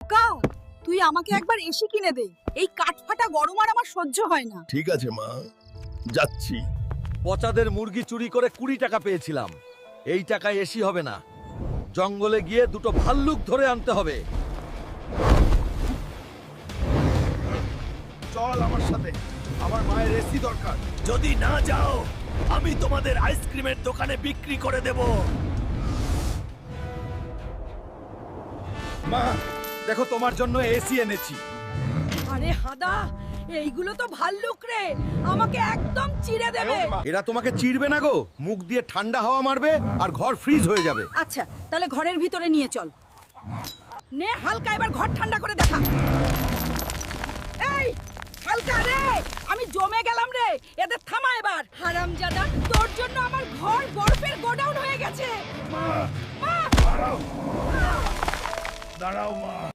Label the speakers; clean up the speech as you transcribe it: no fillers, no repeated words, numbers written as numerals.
Speaker 1: খোকা, তুই আমাকে একবার এসি কিনে দে। এই কাঠফাটা গরম আর আমার সহ্য হয় না।
Speaker 2: ঠিক আছে মা, যাচ্ছি।
Speaker 3: পচাদের মুরগি চুরি করে 20 টাকা পেয়েছিলাম। এই টাকায় এসি হবে না, জঙ্গলে গিয়ে দুটো ভাল্লুক ধরে আনতে হবে।
Speaker 2: চল আমার সাথে, আমার মায়ের এসি দরকার।
Speaker 3: যদি না যাও আমি তোমাদের আইসক্রিমের দোকানে বিক্রি করে দেব।
Speaker 2: মা দেখো, তোমার জন্য এসি এনেছি।
Speaker 1: আরে হাদা, এইগুলো তো ভাল্লুক রে, আমাকে একদম চিড়ে দেবে।
Speaker 3: এরা তোমাকে চিড়বে না গো, মুখ দিয়ে ঠান্ডা হাওয়া মারবে আর ঘর ফ্রিজ হয়ে যাবে।
Speaker 1: আচ্ছা, তাহলে ঘরের ভিতরে নিয়ে চল। নে হালকা, এবার ঘর ঠান্ডা করে দেখা। এই হালকা রে, আমি জমে গেলাম রে, এদের থামা এবার। হারামজাদা, তোর জন্য আমার ঘর বরফের গোডাউন হয়ে গেছে। মা, মা,
Speaker 2: দাঁড়াও মা।